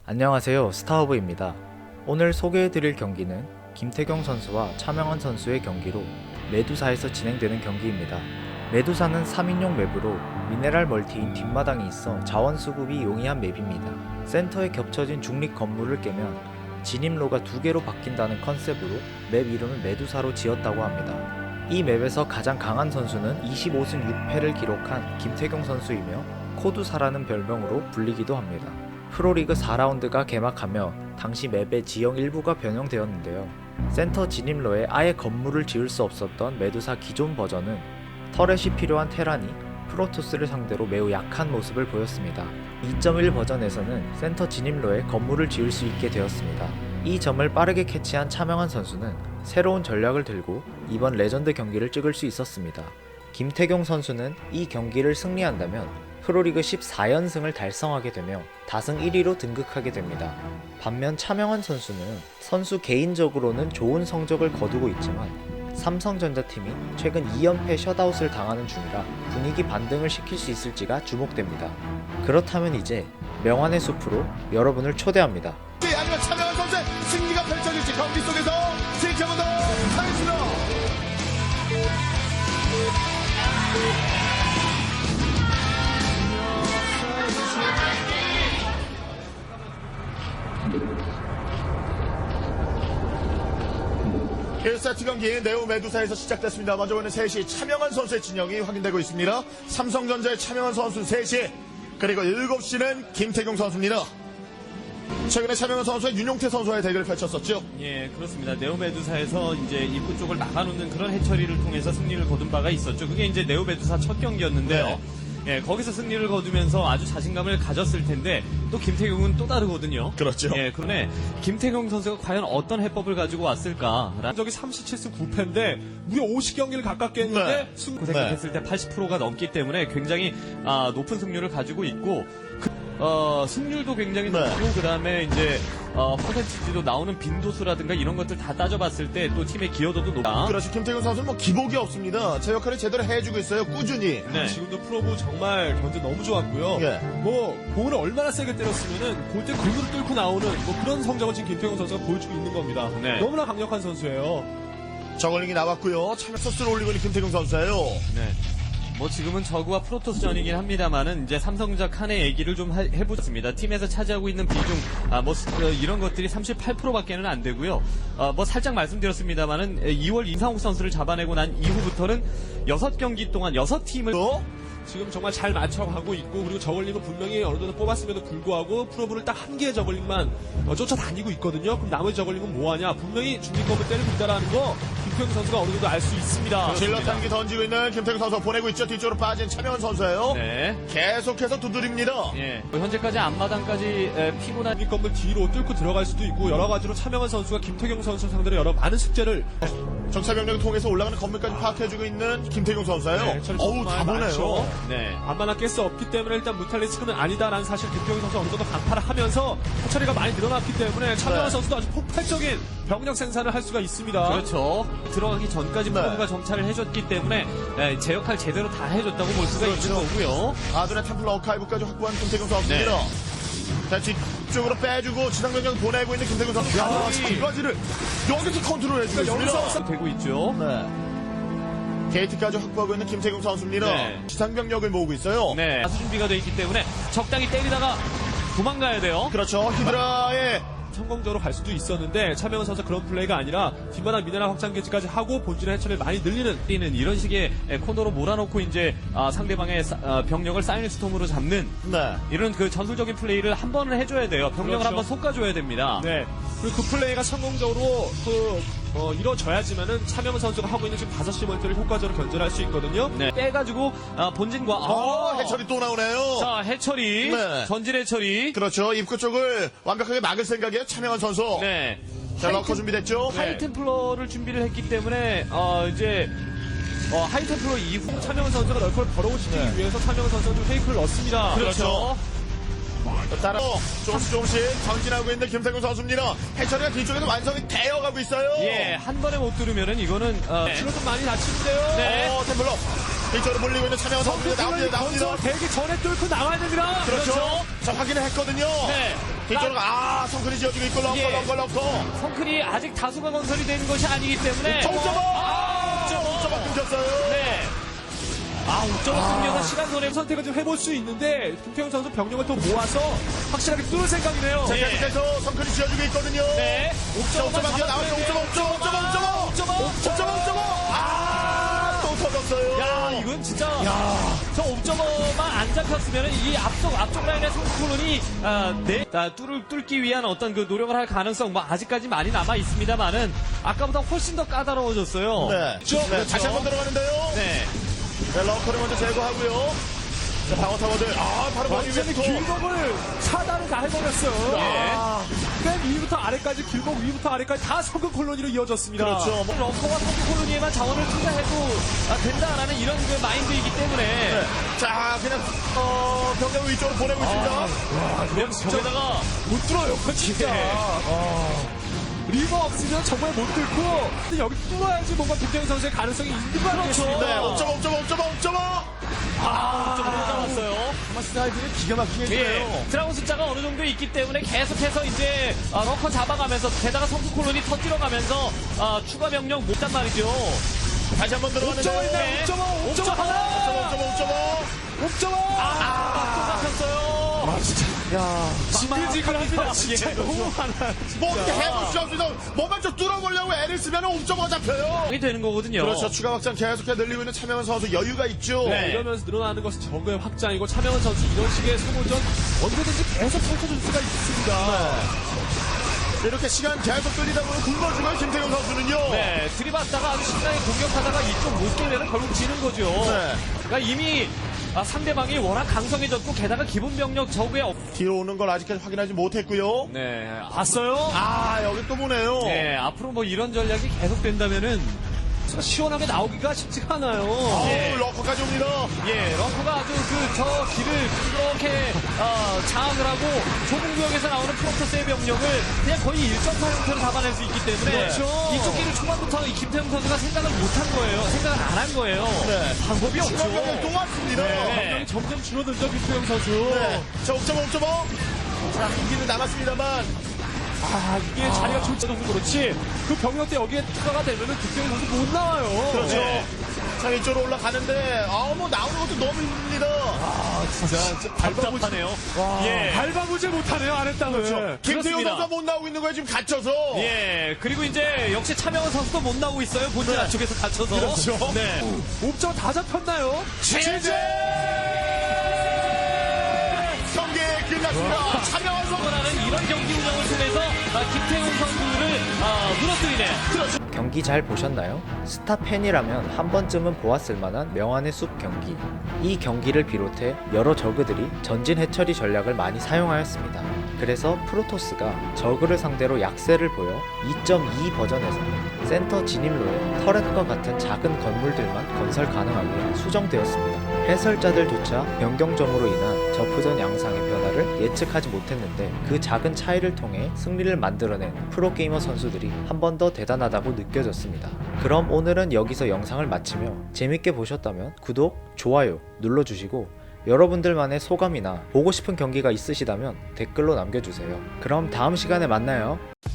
안녕하세요, 스타허브입니다. 오늘 소개해드릴 경기는 김태경 선수와 차명환 선수의 경기로 메두사에서 진행되는 경기입니다. 메두사는 3인용 맵으로 미네랄 멀티인 뒷마당이 있어 자원 수급이 용이한 맵입니다. 센터에 겹쳐진 중립 건물을 깨면 진입로가 2개로 바뀐다는 컨셉으로 맵 이름을 메두사로 지었다고 합니다. 이 맵에서 가장 강한 선수는 25승 6패를 기록한 김태경 선수이며 코두사라는 별명으로 불리기도 합니다. 프로리그 4라운드가 개막하며 당시 맵의 지형 일부가 변형되었는데요. 센터 진입로에 아예 건물을 지을 수 없었던 메두사 기존 버전은 터렛이 필요한 테란이 프로토스를 상대로 매우 약한 모습을 보였습니다. 2.1 버전에서는 센터 진입로에 건물을 지을 수 있게 되었습니다. 이 점을 빠르게 캐치한 차명환 선수는 새로운 전략을 들고 이번 레전드 경기를 찍을 수 있었습니다. 김태경 선수는 이 경기를 승리한다면 프로리그 14연승을 달성하게 되며 다승 1위로 등극하게 됩니다. 반면 차명환 선수는 선수 개인적으로는 좋은 성적을 거두고 있지만 삼성전자팀이 최근 2연패 셧아웃을 당하는 중이라 분위기 반등을 시킬 수 있을지가 주목됩니다. 그렇다면 이제 명환의 숲으로 여러분을 초대합니다. 아니면 차명환 선수의 승리가 펼쳐질지 경기 속에서 지켜보도록 하겠습니다. 일 세트 경기 네오 메두사에서 시작됐습니다. 먼저 보는 3시 차명환 선수의 진영이 확인되고 있습니다. 삼성전자의 차명환 선수 3시, 그리고 7시는 김태경 선수입니다. 최근에 차명환 선수와 윤용태 선수와의 대결을 펼쳤었죠. 예, 그렇습니다. 네오메두사에서 이제 입구 쪽을 막아놓는 그런 해처리를 통해서 승리를 거둔 바가 있었죠. 그게 이제 네오메두사 첫 경기였는데요. 네. 예, 거기서 승리를 거두면서 아주 자신감을 가졌을 텐데 또 김태경은 또 다르거든요. 그렇죠. 예, 그런데 김태경 선수가 과연 어떤 해법을 가지고 왔을까? 적이 37승 9패인데 무려 50경기를 가깝게 했는데 네. 고생했을 때 80%가 넘기 때문에 굉장히 높은 승률을 가지고 있고 승률도 굉장히 네. 높고 그다음에 이제 퍼센티지도 나오는 빈도수라든가 이런 것들 다 따져봤을 때 또 팀의 기여도도 높다. 그렇죠. 김태경 선수는 뭐 기복이 없습니다. 제 역할을 제대로 해주고 있어요. 꾸준히. 네. 지금도 프로브 정말 견제 너무 좋았고요. 예. 뭐 공을 얼마나 세게 때렸으면은 골대 근으로 뚫고 나오는 뭐 그런 성적을 지금 김태경 선수가 보여주고 있는 겁니다. 네. 너무나 강력한 선수예요. 저걸링이 나왔고요. 참여 소스를 올리고 있는 김태경 선수예요. 네. 뭐 지금은 저그와 프로토스전이긴 합니다만은 이제 삼성전자 칸의 얘기를 좀 해보겠습니다. 팀에서 차지하고 있는 비중, 이런 것들이 38%밖에는 안 되고요. 뭐 살짝 말씀드렸습니다만은 2월 임상욱 선수를 잡아내고 난 이후부터는 6경기 동안 6팀을 지금 정말 잘 맞춰가고 있고, 그리고 저글링은 분명히 어느 정도 뽑았음에도 불구하고 프로브를 딱 한 개의 저글링만 쫓아다니고 있거든요. 그럼 나머지 저글링은 뭐하냐? 분명히 중립검을 때리고 있다라는 거 김태경 선수가 어느 정도 알 수 있습니다. 질러 tan기 던지고 있는 김태경 선수 보내고 있죠. 뒤쪽으로 빠진 차명환 선수예요. 네. 계속해서 두드립니다. 예. 뭐 현재까지 앞마당까지 피곤한 중립검을 뒤로 뚫고 들어갈 수도 있고, 여러 가지로 차명환 선수가 김태경 선수 상대로 여러 많은 숙제를 정찰병력을 통해서 올라가는 건물까지 파악해주고 있는 김태경 선수예요. 네, 처리 어우, 정말 다 보네요. 많죠. 네. 안만한 깰 수 없기 때문에 일단 무탈리스크는 아니다라는 사실 김태경 선수 어느 정도 간파를 하면서 처리가 많이 늘어났기 때문에 차명환 네. 선수도 아주 폭발적인 병력 생산을 할 수가 있습니다. 그렇죠. 들어가기 전까지 네. 프로브가 정찰을 해줬기 때문에 제 역할 제대로 다 해줬다고 볼 수가 그렇죠. 있는 거고요. 아둔의 템플 어카이브까지 확보한 김태경 선수입니다. 자, 뒤쪽으로 빼주고 지상병력 보내고 있는 김태경 선수. 야, 거의- 이까지를 여기서 컨트롤 해주고 있습니다. 여기서 되고 있죠. 네. 게이트까지 확보하고 있는 김태경 선수입니다. 네. 지상병력을 모으고 있어요. 네. 다수 준비가 되어 있기 때문에 적당히 때리다가 도망가야 돼요. 그렇죠. 히드라의 성공적으로 갈 수도 있었는데 차명환 선수 그런 플레이가 아니라 뒷마당 미네랄 확장 기지까지 하고 본진의 해처리를 많이 늘리는 이런 식의 코너로 몰아놓고 이제 상대방의 병력을 사이언스톰으로 잡는 네. 이런 그 전술적인 플레이를 한 번은 해줘야 돼요. 병력을 그렇죠. 한 번 솎아줘야 됩니다. 네. 그리고 그 플레이가 성공적으로 이루어져야지만은 차명환 선수가 하고 있는 지금 5시 멀티를 효과적으로 견제할 수 있거든요. 네. 빼가지고 본진과 해철이 또 나오네요. 자 해처리 네. 전진 해처리 그렇죠. 입구 쪽을 완벽하게 막을 생각이에요. 차명환 선수. 네. 자, 러커 준비됐죠? 하이템플러를 준비를 했기 때문에 이제 하이템플러 이후 차명환 선수가 널컬 벌어오시기 위해서 차명환 선수가 좀 페이크를 넣습니다. 그렇죠. 따라 조금씩 전진하고 있는 김태균 선수입니다. 해철이가 뒤쪽에서 완성이 되어가고 있어요. 예, 한 번에 못 들으면은 이거는 치료 좀 많이 다치는데요. 네. 템플러 뒤쪽으로 몰리고 있는 차명환 선수입니다. 나옵니다. 건설 되기 전에 뚫고 나와야 됩니다. 그렇죠. 자, 확인을 했거든요. 네. 뒤쪽으로 성클이 지어주고 있고 예. 럭커. 성클이 아직 다수가 건설이 된 것이 아니기 때문에 옥저버 끊겼어요. 네. 옥저버 승려가 시간 손해 선택을 좀 해볼 수 있는데 김태형 선수 병력을 더 모아서 확실하게 뚫을 생각이네요. 자, 예. 계속해서 성클이 지어주고 있거든요. 네. 옥저버 나오죠. 옥저버. 또 터졌어요. 야, 이건 진짜 저 옵저버만 안 잡혔으면 이 앞쪽 라인의 성콜론이 뚫기 위한 어떤 그 노력을 할 가능성 뭐 아직까지 많이 남아 있습니다만은 아까보다 훨씬 더 까다로워졌어요. 네. 그렇죠. 다시 한번 들어가는데요. 네. 네, 럭커를 먼저 제거하고요. 자, 방어 타워들. 바로 완전히 길목을 차단을 다 해버렸어요. 예. 맨 위부터 아래까지 길목 위부터 아래까지 다 성근 콜로니로 이어졌습니다. 그렇죠. 럭커와 성콜론이에만 자원을 투자해도 된다라는 이런 그 마인드이기 때문에 네. 자, 그냥 병력을 위쪽으로 보내고 있습니다. 그럼 저기다가 못 들어요, 진짜. 리버 없으면 정말 못 들고 근데 여기 뚫어야지 뭔가 김태형 선수의 가능성이 있는 거 아니겠습니까? 네, 옥저버. 좀 잡았어요. 스타일들이 기가 막히게 해줘요. 예, 드라곤 숫자가 어느 정도 있기 때문에 계속해서 이제 럭커 잡아가면서 게다가 성크 콜론이 터뜨려가면서 추가 병력 못단 말이죠. 다시 한번 들어가는데. 옥저버 있네, 옥저버 하나! 옥저버! 또 잡혔어요. 지글지글합니다. 진짜 너무 많아요. 뭐 어떻게 해볼 수 없어서 뭐만 좀 뚫어보려고 애를 쓰면 옥저버가 잡혀요. 이게 되는 거거든요. 그렇죠. 추가 확장 계속해 늘리고 있는 차명은 선수 여유가 있죠. 네. 이러면서 늘어나는 것은 정거의 확장이고 차명은 선수 이런 식의 소모전 언제든지 계속 펼쳐줄 수가 있습니다. 이렇게 시간 계속 끌리다 보면 굶어주고요, 김태경 선수는요. 네, 들이받다가 아주 신나게 공격하다가 이쪽 못 깨면 결국 지는 거죠. 네. 그러니까 이미 상대방이 워낙 강성해졌고 게다가 기본 병력 적에 뒤로 오는 걸 아직까지 확인하지 못했고요. 네, 봤어요? 여기 또 보네요. 네, 앞으로 뭐 이런 전략이 계속 된다면은 시원하게 나오기가 쉽지가 않아요. 예. 럭커까지 옵니다. 예, 럭커가 아주 저 길을 그렇게 장악을 하고 좁은 구역에서 나오는 프로토스의 병력을 그냥 거의 1.4 형태로 잡아낼 수 있기 때문에 그렇죠. 이쪽 길을 초반부터 이 김태형 선수가 생각을 못한 거예요. 생각을 안 한 거예요. 네. 방법이 없죠. 추가병력 또 왔습니다. 네. 병력이 점점 줄어들죠, 김태형 선수. 네. 자, 옥저버. 자, 한 기는 남았습니다만. 이게 자리가 좋지 않아서 그렇지. 그 병력대 여기에 추가가 되면은 김태형 선수 못 나와요. 그렇죠. 네. 자, 이쪽으로 올라가는데, 뭐 나오는 것도 너무 힘듭니다. 진짜 답답하네요. 예. 밟아보질 못하네요, 아랫땅을. 김태경 그렇습니다. 선수가 못 나오고 있는 거예요, 지금 갇혀서. 예, 그리고 이제 역시 차명은 선수도 못 나오고 있어요. 본진 안쪽에서 갇혀서. 그렇죠. 네. 옵저버 다 잡혔나요? 경기 끝났습니다. 차명한 선수. 라는 이런 경기 운영을 통해서 김태훈 선수를 무너뜨리네. 경기 잘 보셨나요? 스타 팬이라면 한 번쯤은 보았을 만한 명안의 숲 경기. 이 경기를 비롯해 여러 저그들이 전진 해처리 전략을 많이 사용하였습니다. 그래서 프로토스가 저그를 상대로 약세를 보여 2.2 버전에서는 센터 진입로에 터렛과 같은 작은 건물들만 건설 가능하게 수정되었습니다. 해설자들조차 변경점으로 인한 저프전 양상의 변화를 예측하지 못했는데 그 작은 차이를 통해 승리를 만들어낸 프로게이머 선수들이 한 번 더 대단하다고 느껴졌습니다. 그럼 오늘은 여기서 영상을 마치며 재밌게 보셨다면 구독, 좋아요 눌러주시고 여러분들만의 소감이나 보고 싶은 경기가 있으시다면 댓글로 남겨주세요. 그럼 다음 시간에 만나요.